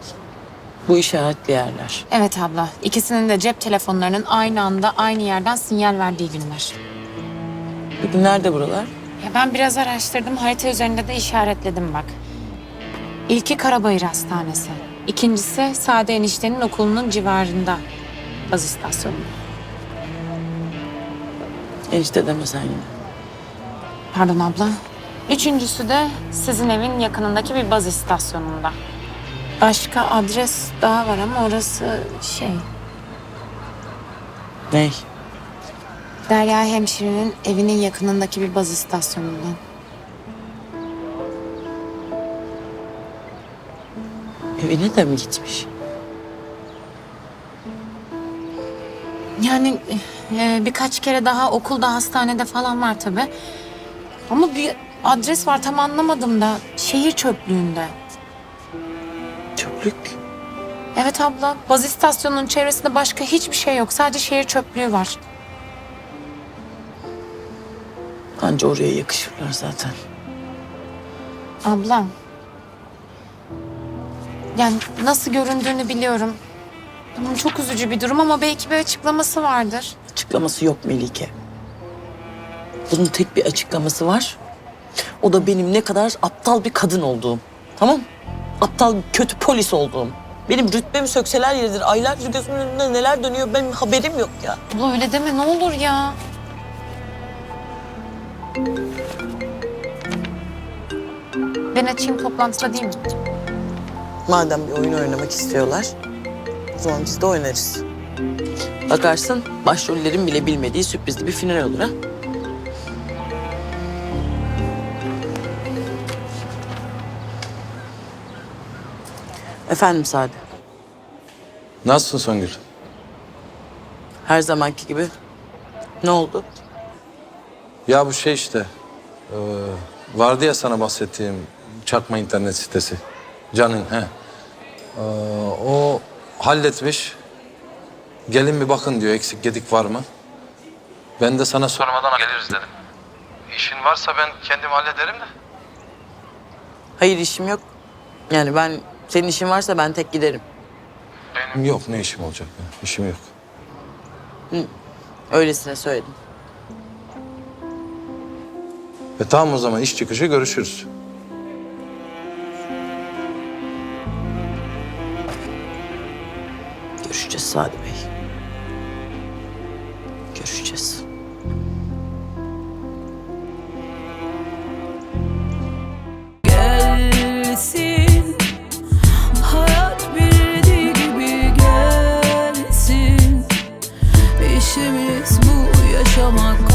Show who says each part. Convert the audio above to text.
Speaker 1: Bu işaretli yerler.
Speaker 2: Evet abla. İkisinin de cep telefonlarının aynı anda aynı yerden sinyal verdiği günler.
Speaker 1: Peki nerede buralar?
Speaker 2: Ya ben biraz araştırdım. Harita üzerinde de işaretledim bak. İlki Karabayır Hastanesi. İkincisi Sade eniştenin okulunun civarında. Baz istasyonu.
Speaker 1: Enişte deme sen yine.
Speaker 2: Pardon abla. Üçüncüsü de sizin evin yakınındaki bir baz istasyonunda. Başka adres daha var ama orası şey...
Speaker 1: Ney?
Speaker 2: Derya hemşirenin evinin yakınındaki bir baz istasyonundan.
Speaker 1: Evine de mi gitmiş?
Speaker 2: Yani birkaç kere daha okulda, hastanede falan var tabii. Ama bir adres var tam anlamadım da. Şehir çöplüğünde.
Speaker 1: Çöplük.
Speaker 2: Evet abla, baz istasyonunun çevresinde başka hiçbir şey yok. Sadece şehir çöplüğü var.
Speaker 1: Anca oraya yakışırlar zaten.
Speaker 2: Ablam. Yani nasıl göründüğünü biliyorum. Tamam, çok üzücü bir durum ama belki bir açıklaması vardır.
Speaker 1: Açıklaması yok Melike. Bunun tek bir açıklaması var. O da benim ne kadar aptal bir kadın olduğum. Tamam? Aptal, kötü polis olduğum. Benim rütbemi sökseler yeridir. Aylarca gözümün önünde neler dönüyor benim haberim yok ya.
Speaker 2: Abla öyle deme ne olur ya. Ben açayım toplantıda değil mi?
Speaker 1: Madem bir oyun oynamak istiyorlar, o zaman biz de oynarız. Bakarsın başrollerin bile bilmediği sürprizli bir final olur ha. Efendim Sade.
Speaker 3: Nasılsın Songül?
Speaker 1: Her zamanki gibi. Ne oldu?
Speaker 3: Ya bu şey işte, vardı ya sana bahsettiğim çakma internet sitesi. Can'ın, he. O halletmiş. Gelin bir bakın diyor, eksik gedik var mı? Ben de sana sormadan geliriz dedim. İşin varsa ben kendim hallederim de.
Speaker 1: Hayır işim yok. Yani senin işin varsa ben tek giderim.
Speaker 3: Benim yok, ne işim olacak ya? İşim yok.
Speaker 1: Öylesine söyledim.
Speaker 3: Tamam o zaman iş çıkışı görüşürüz.
Speaker 1: Görüşeceğiz Sadi Bey. Görüşeceğiz.
Speaker 4: Gelsin, hayat bildiği gibi gelsin. İşimiz bu yaşamak.